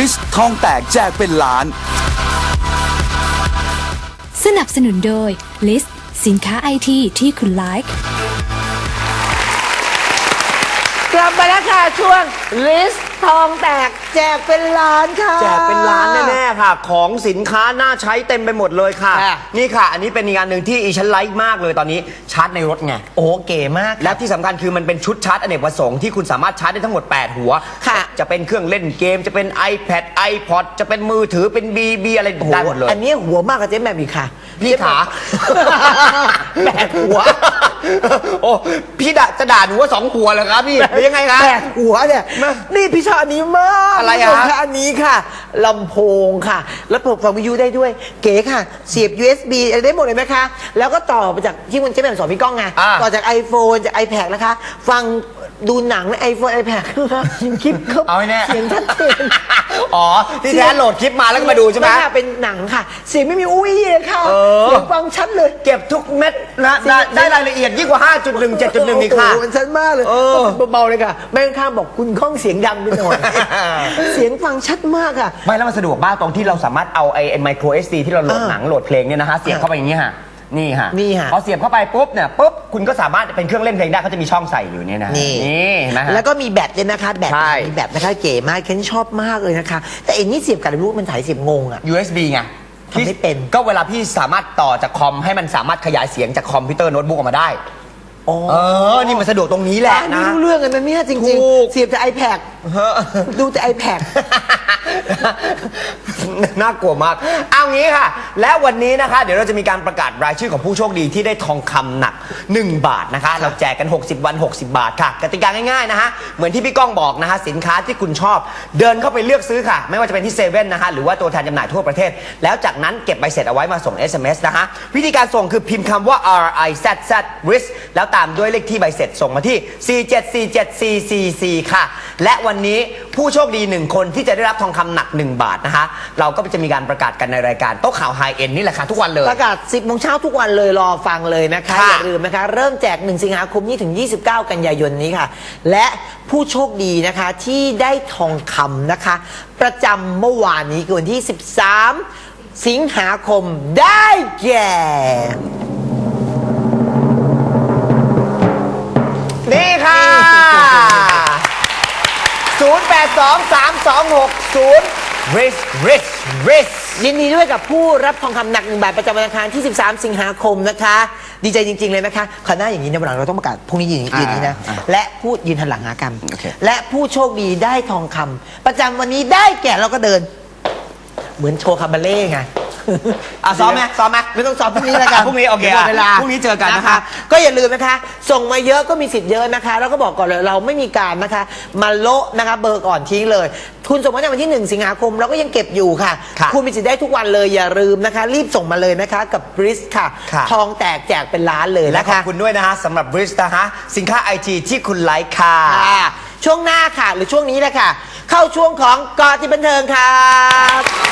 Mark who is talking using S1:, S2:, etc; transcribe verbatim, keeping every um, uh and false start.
S1: ริชทองแตกแจกเป็นล้าน
S2: สนับสนุนโดย List สินค้าไอทีที่คุณไลค์
S3: กลับมาแล้วค่ะช่วง List ทองแตกแจกเป็นล้านค่ะ
S4: แจกเป็นล้านแน่ๆค่ะของสินค้าน่าใช้เต็มไปหมดเลยค่ะนี่ค่ะอันนี้เป็นอีกอันหนึ่งที่อีฉันไลค์มากเลยตอนนี้ชาร์จในรถไง
S3: โอ้เก๋มาก
S4: และที่สำคัญคือมันเป็นชุดชาร์จอเนกประสงค์ที่คุณสามารถชาร์จได้ทั้งหมดแปดหัว
S3: ค่ะ
S4: จะเป็นเครื่องเล่นเกมจะเป็น iPad iPod จะเป็นมือถือเป็น บี บี อะไรได้หมดเลย
S3: อันนี้หัวมากกับเจ๊แหม่มอีกค่ะ
S4: พี่ขา
S3: แปดหัว
S4: โอ้พี่ด่าจะด่าหนูว่าสองหัวเหรอครับพี่หรือยังไงครับ
S3: แปดหัวเนี่ยนี่พี่ชอบอันนี้มาก
S4: อะไรอะ
S3: อันนี้ค่ะลำโพงค่ะแล้วเปิดฟังวิทยุได้ด้วยเก๋ค่ะเสียบ ยู เอส บี อะไรได้หมดเลยไหมคะแล้วก็ต่อมาจากที่คุณเจ๊แหม่มสอนพี่ก้องไงต่อจาก iPhone จาก iPad นะคะฟังดูหนังใน iPhone iPad คลิปเขา
S4: เอาแน่
S3: เสียงชัดเจน
S4: อ๋อที่แท้โหลดคลิปมาแล้วก็มาดูใช่ไหม
S3: เป็นหนังค่ะเสียงไม่มีอุ้ยเลยค่ะเสียงฟังชัดเลย
S4: เก็บทุกเม็ดนะได้รายละเอียดยิ่งกว่า ห้าจุดหนึ่ง เจ็ดจุดหนึ่ง อีกค่ะ
S3: มันชัดมากเลยเบาๆเลยค่ะแม่ข้างบอกคุณก้องเสียงดังไปหน่อยเสียงฟังชัดมากค่ะ
S4: ไม่แล้วมันสะดวกมากตรงที่เราสามารถเอาไอ้ไมโคร เอส ดี ที่เราโหลดหนังโหลดเพลงเนี่ยนะคะเสียบเข้าไปอย่างนี้ค่ะนี่ฮะ
S3: นี่ฮะ
S4: พอเสียบเข้าไปปุ๊บเนี่ยปุ๊บคุณก็สามารถเป็นเครื่องเล่นเพลงได้เขาจะมีช่องใส่อยู่เนี่ยนะ
S3: นี่
S4: นี่นะฮะ
S3: แล้วก็มีแบตเลยนะคะแบตมีแบตนะคะเก๋มากฉันชอบมากเลยนะคะแต่อันนี้เสียบกับอะไรรู้มันถ่ายเสียบงงอะ
S4: ยู เอส บี ไง
S3: ทำไม่เป็น
S4: ก็เวลาพี่สามารถต่อจากคอมให้มันสามารถขยายเสียงจากคอมพิวเตอร์โน้ตบุ๊กออกมาได้เออนี่มันสะดวกตรงนี้แหละนะ
S3: ไม่รู้เรื่องกันนะเนี่ยจริงๆเสียบจาก iPad ดูจาก iPad
S4: น่ากลัวมากเอางี้ค่ะและวันนี้นะคะเดี๋ยวเราจะมีการประกาศรายชื่อของผู้โชคดีที่ได้ทองคำหนักหนึ่งบาทนะคะเราแจกกันหกสิบวันหกสิบบาทค่ะกติกาง่ายๆนะคะเหมือนที่พี่ก้องบอกนะคะสินค้าที่คุณชอบเดินเข้าไปเลือกซื้อค่ะไม่ว่าจะเป็นที่เซเว่นนะคะหรือว่าตัวแทนจำหน่ายทั่วประเทศแล้วจากนั้นเก็บใบเสร็จเอาไว้มาส่ง เอส เอ็ม เอส นะคะวิธีการส่งคือพิมพ์คำว่า R I Z Z risk แล้วตามด้วยเลขที่ใบเสร็จส่งมาที่สี่เจ็ดสี่เจ็ดสี่สี่สี่ค่ะและวันนี้ผู้โชคดีหนึ่งคนที่จะได้รับทองคำหนักหนึ่งบาทนะคะเราก็จะมีการประกาศกันในรายการโต๊ะข่าวไฮเอ็นนี่แหละค่ะทุกวันเลย
S3: ประกาศสิบโมงเช้าทุกวันเลยรอฟังเลยนะคะอย่าลืมนะคะเริ่มแจกหนึ่งสิงหาคมนี้ถึงยี่สิบเก้ากันยายนนี้ค่ะและผู้โชคดีนะคะที่ได้ทองคำนะคะประจำเมื่อวานนี้คือวันที่สิบสามสิงหาคมได้แก่
S4: นี่ค่ะศูนย์ แปด สอง สาม สอง หก ศูนย์ risk risk risk
S3: ยินดีด้วยกับผู้รับทองคำหนักหนึ่งบาทประจำวันอังคารที่สิบสามสิงหาคมนะคะดีใจจริงๆเลยนะคะขณะอย่างนี้ในวันหลังเราต้องประกาศพรุ่งนี้ยืนยืนนี้นะและผู้ยืนหันหลังหากันและผู้โชคดีได้ทองคำประจำวันนี้ได้แก่เราก็เดินเหมือนโชว์คาบาเล่ไง
S4: อ่ะซ้อมไหมซ้อมไหม
S3: ไม่ต้องซ้อมพรุ่งนี้แล้วกัน
S4: พรุ่งนี้โอเค
S3: เวลา
S4: พรุ่งนี้เจอกันนะคะ
S3: ก็อย่าลืมนะคะส่งมาเยอะก็มีสิทธิ์เยอะนะคะแล้วก็บอกก่อนเลยเราไม่มีการนะคะมาโละนะคะเบอร์ก่อนทิ้งเลยคุณส่งมาในวันที่หนึ่งสิงหาคมเราก็ยังเก็บอยู่ค่ะคุณมีสิทธิ์ได้ทุกวันเลยอย่าลืมนะคะรีบส่งมาเลยนะคะกับบริสค่ะทองแตกแจกเป็นล้านเลย
S4: และขอบคุณด้วยนะคะสำหรับบริสนะคะสินค้าไอทีที่คุณไลค์ค่ะ
S3: ช่วงหน้าค่ะหรือช่วงนี้แหละค่ะเข้าช่วงของกอติบันเทิงค่ะ